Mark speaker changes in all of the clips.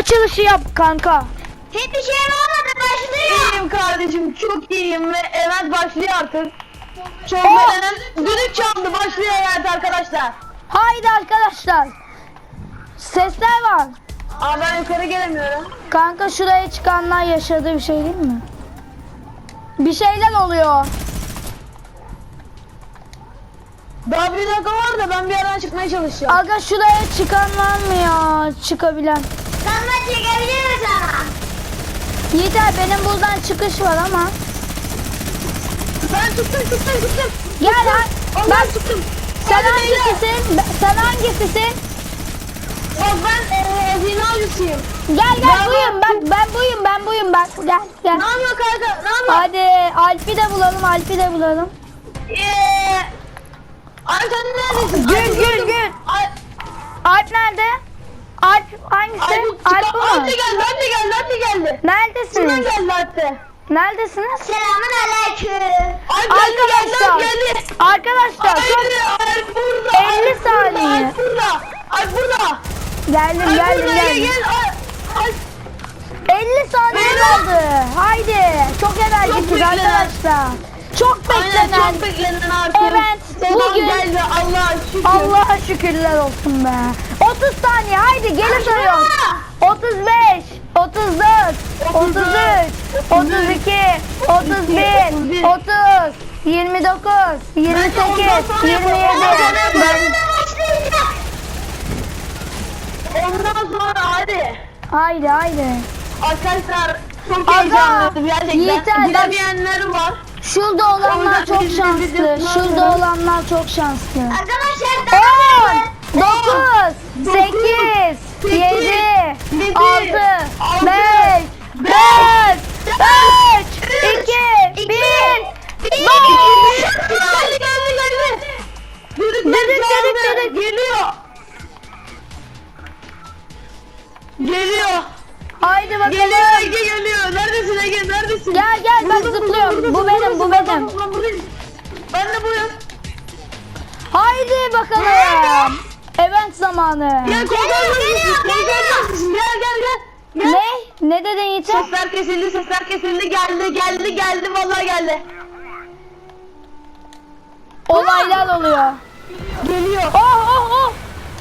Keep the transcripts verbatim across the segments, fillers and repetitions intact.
Speaker 1: açılışı yap kanka.
Speaker 2: Hiçbir şey olmadı, başlıyor.
Speaker 3: İyiyim kardeşim, çok iyiyim ve event başlıyor artık. Çok
Speaker 1: Oh!
Speaker 3: beğenen düdük çaldı, başlıyor event arkadaşlar.
Speaker 1: Haydi arkadaşlar. Sesler var.
Speaker 3: Aa, ben yukarı gelemiyorum.
Speaker 1: Kanka şuraya çıkanlar yaşadığı bir şey değil mi? Bir şeyler oluyor.
Speaker 3: Daha bir dakika var da ben bir yerden çıkmaya çalışıyorum.
Speaker 1: Aga şuraya çıkan var mı ya? Çıkabilen.
Speaker 2: Kanka çekebilir misin ama?
Speaker 1: Yeter, benim buradan çıkış var ama.
Speaker 3: Ben çıktım çıktım çıktım.
Speaker 1: Gel lan.
Speaker 3: Allah
Speaker 1: Bak
Speaker 3: çıktım.
Speaker 1: sen
Speaker 3: Hadi beyler.
Speaker 1: hangisisin? Ben- Sen hangisisin?
Speaker 3: Bak ben eee hazine avcısıyım.
Speaker 1: Gel gel
Speaker 3: Ben-
Speaker 1: buyum bak, ben buyum ben buyum bak, gel gel.
Speaker 3: Ne yapıyor kanka? Ne yapıyor?
Speaker 1: Hadi Alp'i de bulalım, Alp'i de bulalım.
Speaker 3: Eee. Ay sen neredesin?
Speaker 1: Gül,
Speaker 3: Ay,
Speaker 1: gül,
Speaker 3: gördüm.
Speaker 1: gül.
Speaker 3: Ay,
Speaker 1: Alp nerede? Alp hangisi?
Speaker 3: ay,
Speaker 1: Alp bu mu?
Speaker 3: Alp de geldi, Alp de geldi, Alp de geldi. Şuradan
Speaker 1: Neredesiniz?
Speaker 3: geldi Alp de.
Speaker 1: Neredesiniz?
Speaker 2: Selamun aleyküm.
Speaker 3: Alp geldi, geldi,
Speaker 1: Arkadaşlar,
Speaker 3: Alp geldi.
Speaker 1: arkadaşlar çok
Speaker 3: Haydi, Alp burada.
Speaker 1: elli
Speaker 3: Alp burada,
Speaker 1: saniye.
Speaker 3: Alp burada. Alp burada.
Speaker 1: geldim
Speaker 3: Alp
Speaker 1: geldim
Speaker 3: burada, gel,
Speaker 1: geldim.
Speaker 3: gel. Alp, Alp.
Speaker 1: elli saniye
Speaker 3: Beyler.
Speaker 1: kaldı. Haydi. Çok enerjikiz
Speaker 3: beklenen.
Speaker 1: arkadaşlar. Çok
Speaker 3: Aynen,
Speaker 1: beklenen.
Speaker 3: çok beklenen artık.
Speaker 1: Evet,
Speaker 3: Sezon
Speaker 1: bugün-
Speaker 3: geldi, Allah'a şükür.
Speaker 1: Allah'a şükürler olsun be. otuz saniye haydi geri sayıyorum. otuz beş, otuz dört, otuz üç, otuz iki, otuz bir, otuz, yirmi dokuz, yirmi sekiz, yirmi yedi. Ben...
Speaker 3: Ondan sonra hadi.
Speaker 1: Haydi haydi.
Speaker 3: Arkadaşlar çok
Speaker 1: Aga,
Speaker 3: heyecanlıyım gerçekten.
Speaker 1: Yiğiter, bak-
Speaker 3: Gidemeyenler var.
Speaker 1: Şurada olanlar çok şanslı. Şurada olanlar çok şanslı.
Speaker 2: Arkadaşlar daha
Speaker 1: on, dokuz, sekiz, yedi, altı, beş, dört, üç, iki, bir.
Speaker 3: Geldi geldi geldi. Düdük
Speaker 1: Düdük,
Speaker 3: düdük
Speaker 1: düdük, düdük.
Speaker 3: Geliyor. Geliyor.
Speaker 1: Haydi
Speaker 3: Geliyor
Speaker 1: bakalım.
Speaker 3: Ege geliyor. Neredesin Ege neredesin?
Speaker 1: Gel gel bak
Speaker 3: Buradasın,
Speaker 1: zıplıyorum.
Speaker 3: buradasın,
Speaker 1: Bu benim bu
Speaker 3: buradasın.
Speaker 1: benim.
Speaker 3: Ben- ben buradayım. Ben de buyum.
Speaker 1: Haydi bakalım. Event zamanı.
Speaker 3: Gel korkar mısın? Gel gel gel. Gel.
Speaker 1: Ne? Ne dedin Yiğiter?
Speaker 3: Sesler kesildi, sesler kesildi. Geldi, geldi, geldi. Vallahi geldi.
Speaker 1: Olaylar oluyor.
Speaker 3: Geliyor.
Speaker 1: Oh oh oh.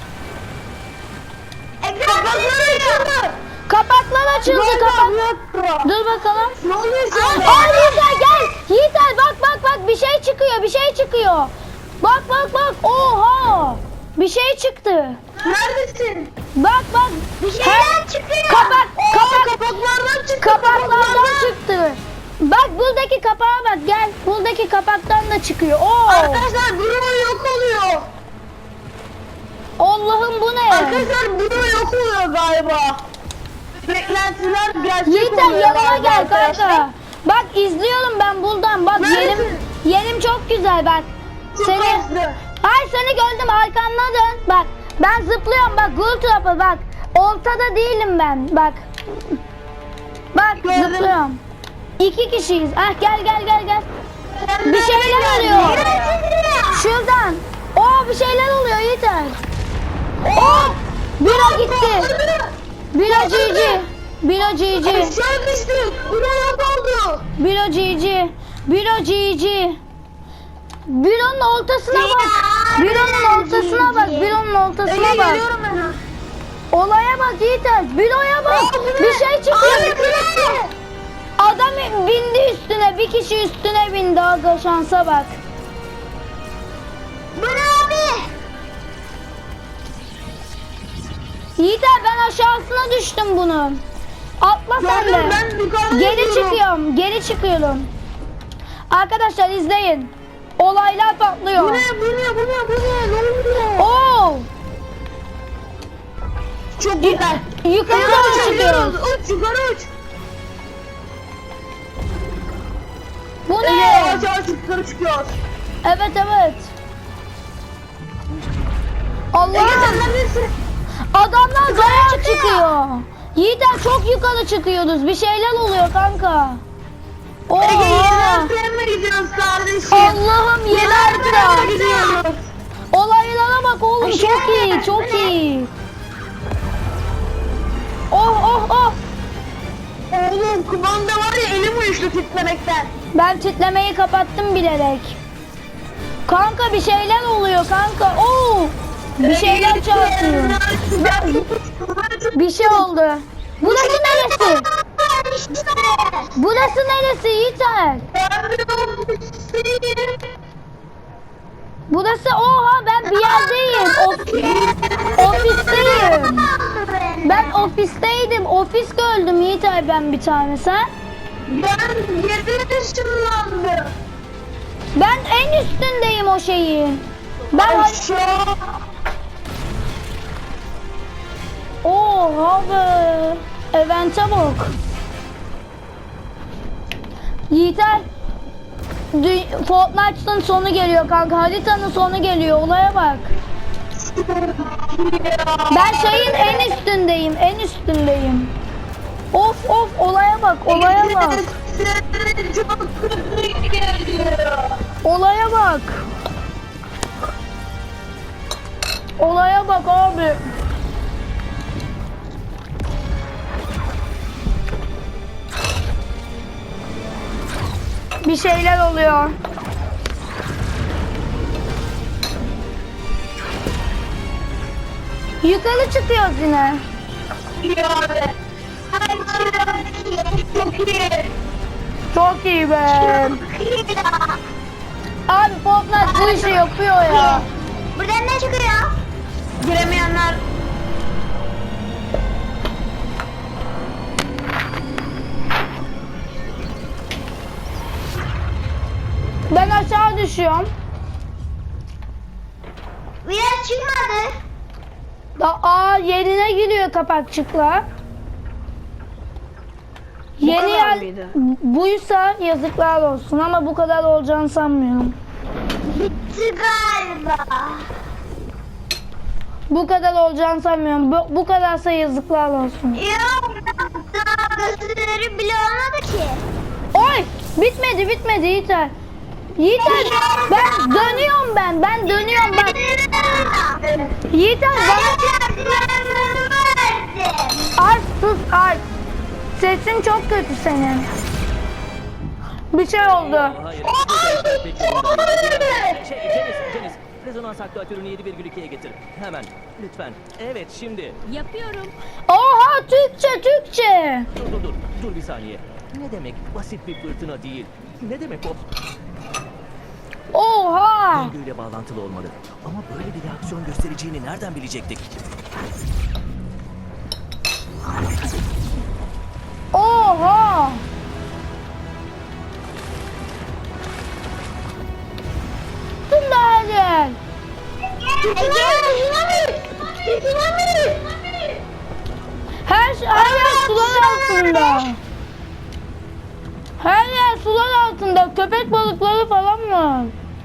Speaker 3: Kapakları açıldı.
Speaker 1: Kapaklar açıldı kapak. Dur bakalım.
Speaker 3: Ne oluyor şu anda?
Speaker 1: Aa Yiğiter gel. Yiğiter bak bak bak bir şey çıkıyor bir şey çıkıyor. Bak bak bak. Oha. Bir şey çıktı.
Speaker 3: Neredesin?
Speaker 1: Bak bak.
Speaker 3: Bir
Speaker 1: Her-
Speaker 3: şeyler çıkıyor.
Speaker 1: Kapak,
Speaker 3: Oo,
Speaker 1: kapak.
Speaker 3: kapaklardan çıktı.
Speaker 1: Kapaklardan çıktı. Bak buradaki kapağa bak gel. Buradaki kapaktan da çıkıyor. Oo.
Speaker 3: Arkadaşlar Bruno yok oluyor.
Speaker 1: Allah'ım bu ne?
Speaker 3: Arkadaşlar Bruno yok oluyor galiba. Beklentiler gerçek
Speaker 1: Yiğiter
Speaker 3: oluyor
Speaker 1: yanıma
Speaker 3: galiba
Speaker 1: gel
Speaker 3: arkadaşlar.
Speaker 1: kanka. Bak izliyorum ben buradan. Bak
Speaker 3: Neredesin?
Speaker 1: yerim yerim çok güzel bak.
Speaker 3: Çok
Speaker 1: Seni
Speaker 3: hızlı.
Speaker 1: Ay seni gördüm arkandan dön. Bak ben zıplıyorum bak Gul Trap'a bak. Ortada değilim ben bak. Bak
Speaker 3: Gördüm.
Speaker 1: zıplıyorum. İki kişiyiz. Ah gel gel gel gel.
Speaker 3: Sen
Speaker 1: Bir şeyler
Speaker 3: nereden
Speaker 1: oluyor.
Speaker 3: geldin?
Speaker 1: Şuradan. Oo bir şeyler oluyor Yiğiter. Oo! Bira gitti. Bira cici. Bira cici.
Speaker 3: Aşağı düştük. Bruno yok oldu.
Speaker 1: Bira cici. Bira cici. Bironun ortasına bak. Bironun ortasına bak. Bironun ortasına
Speaker 3: Ege
Speaker 1: bak.
Speaker 3: geliyorum ben.
Speaker 1: Olaya bak Yiğiter. Biroya bak.
Speaker 3: Aa, bu ne?
Speaker 1: Bir şey çıkıyor.
Speaker 3: Abi, kırmızı.
Speaker 1: Adam bindi üstüne. Bir kişi üstüne bindi. Aga şansa bak.
Speaker 2: Bu ne abi?
Speaker 1: Yiğiter ben aşağısına düştüm bunun. Atla sen
Speaker 3: Gördüm,
Speaker 1: de.
Speaker 3: ben yukarıda
Speaker 1: Geri
Speaker 3: yürüyorum.
Speaker 1: çıkıyorum. Geri çıkıyorum. Arkadaşlar izleyin. Olaylar patlıyor.
Speaker 3: Bu ne bu ne bu ne bu ne ne oluyor?
Speaker 1: Oo!
Speaker 3: Çok güzel.
Speaker 1: Yukarı doğru çıkıyoruz.
Speaker 3: Uç yukarı uç.
Speaker 1: Bu
Speaker 3: Ege
Speaker 1: ne?
Speaker 3: yavaş yavaş yukarı çıkıyoruz.
Speaker 1: Evet evet. Allah!
Speaker 3: Ege sen neredesin?
Speaker 1: Adamlar bayağı çıkıyor. Yiğiter çok yukarı çıkıyoruz. Bir şeyler oluyor kanka.
Speaker 3: Ege yeni
Speaker 1: Oha!
Speaker 3: antrenme mi gidiyoruz kardeşim?
Speaker 1: Allah'ım
Speaker 3: Yeni
Speaker 1: yeni
Speaker 3: antrenme
Speaker 1: antrenman.
Speaker 3: gidiyoruz.
Speaker 1: Olaylara bak oğlum çok iyi çok iyi. Oh oh oh.
Speaker 3: Oğlum kumanda var ya elim uyuştu titlemekten.
Speaker 1: Ben titremeyi kapattım bilerek. Kanka bir şeyler oluyor kanka. Oo! Bir şeyler çarpıyor. Bir şey oldu. Burası neresi? Burası neresi Yiğiter? Burası oha ben bir yerdeyim. Of- ofisteyim. Ben ofisteydim. Ofis gördüm Yiğiter ben bir tane sen.
Speaker 3: Ben yedi ışınlandım.
Speaker 1: Ben en üstündeyim o şeyin. Ben
Speaker 3: Aşağı.
Speaker 1: oha be. Event'e bak. Yiğiter dü- Fortnite'ın sonu geliyor kanka. Haritanın sonu geliyor. Olaya bak. Ben şeyin en üstündeyim. En üstündeyim. Of of olaya bak. Olaya bak.
Speaker 3: Çok kötü geliyor.
Speaker 1: Olaya bak. Olaya bak abi. Bir şeyler oluyor. Yukarı çıkıyoruz yine.
Speaker 3: Yani. Çok iyi.
Speaker 1: Çok iyi be. Abi Fortnite bu işi yapıyor ya.
Speaker 2: Buradan ne çıkıyor?
Speaker 3: Giremeyenler
Speaker 1: Ben aşağı düşüyorum.
Speaker 2: Biraz çıkmadı.
Speaker 1: Da aa yerine gidiyor kapakçıkla. Yeni
Speaker 3: kadar
Speaker 1: yer
Speaker 3: mıydı?
Speaker 1: buysa yazıklar olsun ama bu kadar olacağını sanmıyorum.
Speaker 2: Bitti galiba.
Speaker 1: Bu kadar olacağını sanmıyorum. Bu, bu kadarsa yazıklar olsun.
Speaker 2: Yok daha gösteri bile olmadı ki.
Speaker 1: Oy! Bitmedi bitmedi Yiğiter. Yiğiter ben dönüyorum ben. Ben dönüyorum bak. Yiğiter bana Alp sus Alp. Sesin çok kötü senin. Bir şey oldu.
Speaker 4: Hayır. Bu sefer pek yolunda değil. Şey, Cenis, Cenis. Rezonans aktuatörünü yedi virgül ikiye getir. Hemen. Lütfen. Evet, şimdi.
Speaker 5: Yapıyorum.
Speaker 1: Oha Türkçe Türkçe.
Speaker 4: Dur, dur, dur. Dur bir saniye. Ne demek basit bir fırtına değil? Ne demek o?
Speaker 1: Oha.
Speaker 4: Döngüyle bağlantılı olmalı. Ama böyle bir reaksiyon göstereceğini nereden bilecektik?
Speaker 1: Oha. Tüm her yer. Her, şey- her yer sular altında. Her yer sular altında. Köpek balıkları falan var.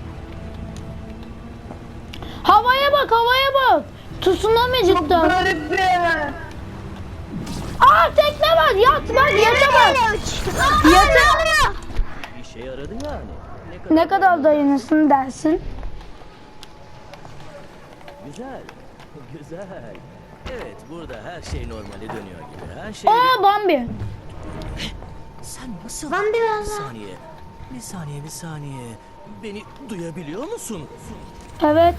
Speaker 1: Havaya bak, havaya bak. Tsunami cidden.
Speaker 3: garip bir yer.
Speaker 1: Aa tekne var. Yat bak, yata bak. Yata.
Speaker 4: İşe yaradı yani. Ne kadar,
Speaker 1: Ne kadar dayanırsın dersin?
Speaker 4: Güzel. Güzel. Evet, burada her şey normale dönüyor gibi. Her şey...
Speaker 1: Aa Bambi.
Speaker 4: Sen nasıl...
Speaker 2: Ben
Speaker 4: Bir
Speaker 2: biraz
Speaker 4: saniye. Bir saniye, bir saniye. Beni duyabiliyor musun?
Speaker 1: Evet.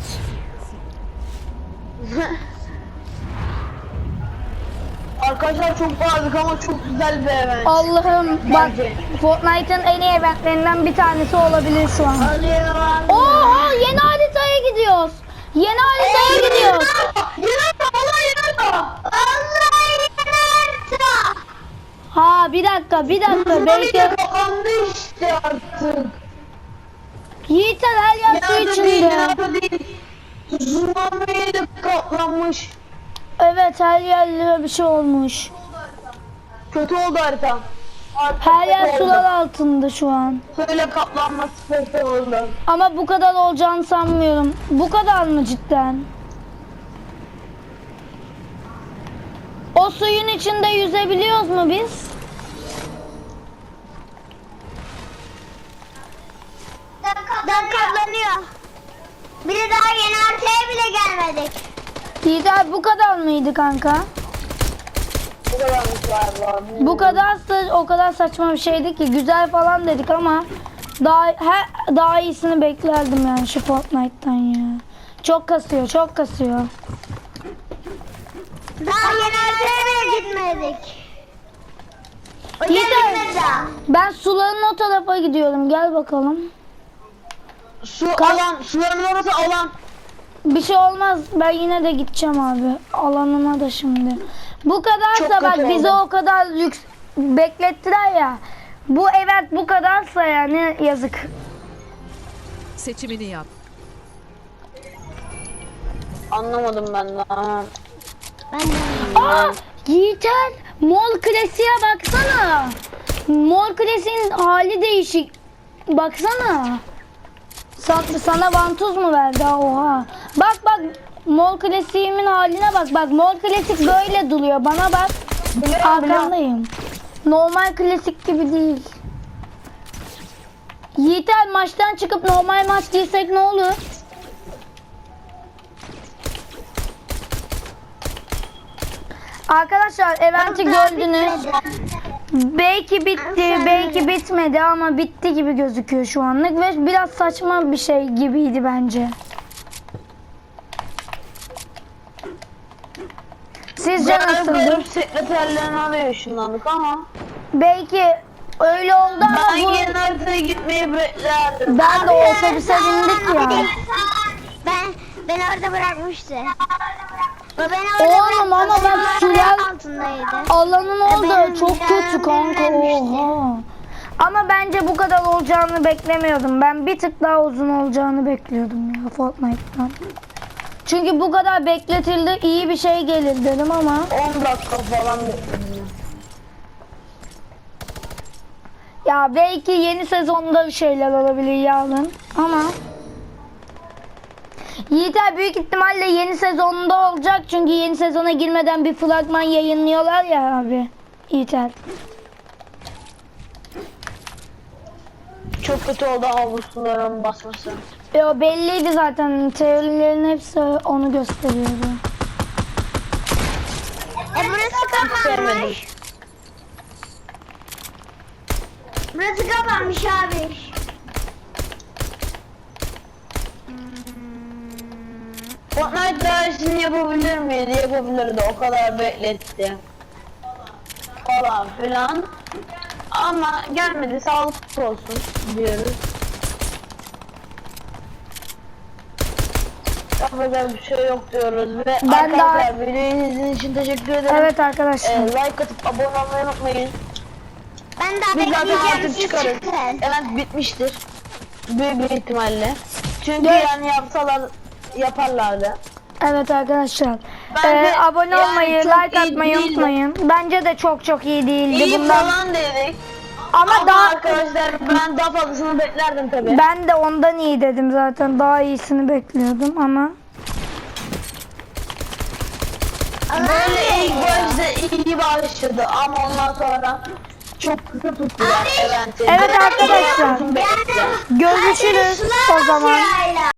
Speaker 3: Arkadaşlar çok bağırdık ama çok güzel bir event.
Speaker 1: Allah'ım bak Fortnite'ın en iyi eventlerinden bir tanesi olabilir şu an. Oha yeni haritaya gidiyoruz. Yeni haritaya gidiyoruz. Ha bir dakika bir dakika belki
Speaker 3: Kapandı işte artık.
Speaker 1: Yiğiter her yer su
Speaker 3: Yardım değil,
Speaker 1: içinde.
Speaker 3: yardım değil. Tsunami'ye de kaplanmış.
Speaker 1: Evet her yerlere bir şey olmuş.
Speaker 3: Kötü oldu harita. Artık
Speaker 1: Her yer
Speaker 3: kötü
Speaker 1: sular
Speaker 3: oldu.
Speaker 1: altında şu an.
Speaker 3: Böyle kaplanması kötü oldu.
Speaker 1: Ama bu kadar olacağını sanmıyorum. Bu kadar mı cidden? O suyun içinde yüzebiliyoruz mu biz?
Speaker 2: Dan katlanıyor. Bir de daha yeni haritaya bile gelmedik.
Speaker 1: Yiğiter bu kadar mıydı kanka?
Speaker 3: Bu kadarmış galiba.
Speaker 1: Bu kadar sa- o kadar saçma bir şeydi ki güzel falan dedik ama daha he, daha iyisini beklerdim yani şu Fortnite'tan ya. Çok kasıyor, çok kasıyor.
Speaker 2: Daha yeni haritaya gitmedik. O
Speaker 1: Yeter.
Speaker 2: gitmedi daha.
Speaker 1: Ben suların o tarafa gidiyorum. Gel bakalım.
Speaker 3: Su alan, suların orası alan.
Speaker 1: Bir şey olmaz. Ben yine de gideceğim abi. Alanıma da şimdi. Bu kadarsa
Speaker 3: Çok
Speaker 1: bak
Speaker 3: kötü
Speaker 1: bize
Speaker 3: oldu.
Speaker 1: o kadar lüks beklettiler ya. Bu evet bu kadarsa yani yazık.
Speaker 5: Seçimini yap.
Speaker 3: Anlamadım ben daha.
Speaker 2: Ben de.
Speaker 1: Aa, Yiğiter, Mol Klasiğe baksana. Mol Klasiğin hali değişik. Baksana. Sana, sana vantuz mu verdi? Oha. Bak bak Mol Klasiğimin haline bak. Bak Mol Klasik böyle duruyor. Bana bak. Arkandayım. Normal klasik gibi değil. Yiğiter maçtan çıkıp normal maç girsek ne olur? Arkadaşlar eventi gördünüz. Belki bitti, belki bitmedi ama bitti gibi gözüküyor şu anlık ve biraz saçma bir şey gibiydi bence. Sizce nasıldı?
Speaker 3: Benim sekreterlerini arıyor ışınlandık ama.
Speaker 1: Belki öyle oldu ama
Speaker 3: Ben
Speaker 1: bu...
Speaker 3: yeni haritaya gitmeyi beklerdim.
Speaker 1: Ben de otobüse bindik ya.
Speaker 2: Ben ben orada bırakmıştı. O beni orada
Speaker 1: Oğlum ama
Speaker 2: bıraktı.
Speaker 1: bak
Speaker 2: Benim
Speaker 1: sular
Speaker 2: altındaydı.
Speaker 1: alanın orada
Speaker 2: benim
Speaker 1: çok kötü
Speaker 2: canım
Speaker 1: kanka.
Speaker 2: dinlenmişti.
Speaker 1: Oha. Ama bence bu kadar olacağını beklemiyordum. Ben bir tık daha uzun olacağını bekliyordum ya Fortnite'tan. Çünkü bu kadar bekletildi iyi bir şey gelir dedim ama
Speaker 3: on dakika falan bekledim.
Speaker 1: ya belki yeni sezonda bir şeyler olabilir yarın ama Yiğiter büyük ihtimalle yeni sezonda olacak çünkü yeni sezona girmeden bir fragman yayınlıyorlar ya abi. Yiğiter.
Speaker 3: Çok kötü oldu havuzluların basması.
Speaker 1: E o belliydi zaten teorilerin hepsi onu gösteriyordu.
Speaker 2: E burası
Speaker 3: Sevmedim.
Speaker 2: kapanmış. Burası kapanmış abi.
Speaker 3: Fortnite daha iyisini yapabilir miydi? Yapabilirdi. O kadar bekletti. Falan filan. Ama gelmedi. Sağlıklı olsun diyoruz. Yapacak bir şey yok diyoruz ve
Speaker 1: Ben
Speaker 3: arkadaşlar videoyu izlediğiniz için teşekkür ederim.
Speaker 1: Evet arkadaşlar.
Speaker 3: Ee, like atıp abone olmayı unutmayın.
Speaker 2: Ben daha
Speaker 3: Biz zaten
Speaker 2: bekleyeceğim
Speaker 3: artık
Speaker 2: siz
Speaker 3: çıkarız.
Speaker 2: çıkın.
Speaker 3: Evet bitmiştir. Büyük bir ihtimalle. Çünkü
Speaker 1: Evet.
Speaker 3: yani yapsalar yaparlardı.
Speaker 1: Evet arkadaşlar.
Speaker 3: Bence
Speaker 1: Ee, abone
Speaker 3: yani
Speaker 1: olmayı,
Speaker 3: çok
Speaker 1: like
Speaker 3: iyi
Speaker 1: atmayı
Speaker 3: değildi.
Speaker 1: unutmayın. Bence de çok çok iyi değildi
Speaker 3: İyi
Speaker 1: bundan.
Speaker 3: falan dedik.
Speaker 1: Ama,
Speaker 3: Ama
Speaker 1: daha
Speaker 3: arkadaşlar ben daha fazlasını beklerdim tabii.
Speaker 1: ben de ondan iyi dedim zaten. Daha iyisini bekliyordum ama
Speaker 3: Böyle ilk başta iyi başladı ama ondan sonra çok kısa tuttular eventi.
Speaker 1: Evet arkadaşlar.
Speaker 3: Bekle.
Speaker 1: görüşürüz o zaman.
Speaker 2: Sırayla.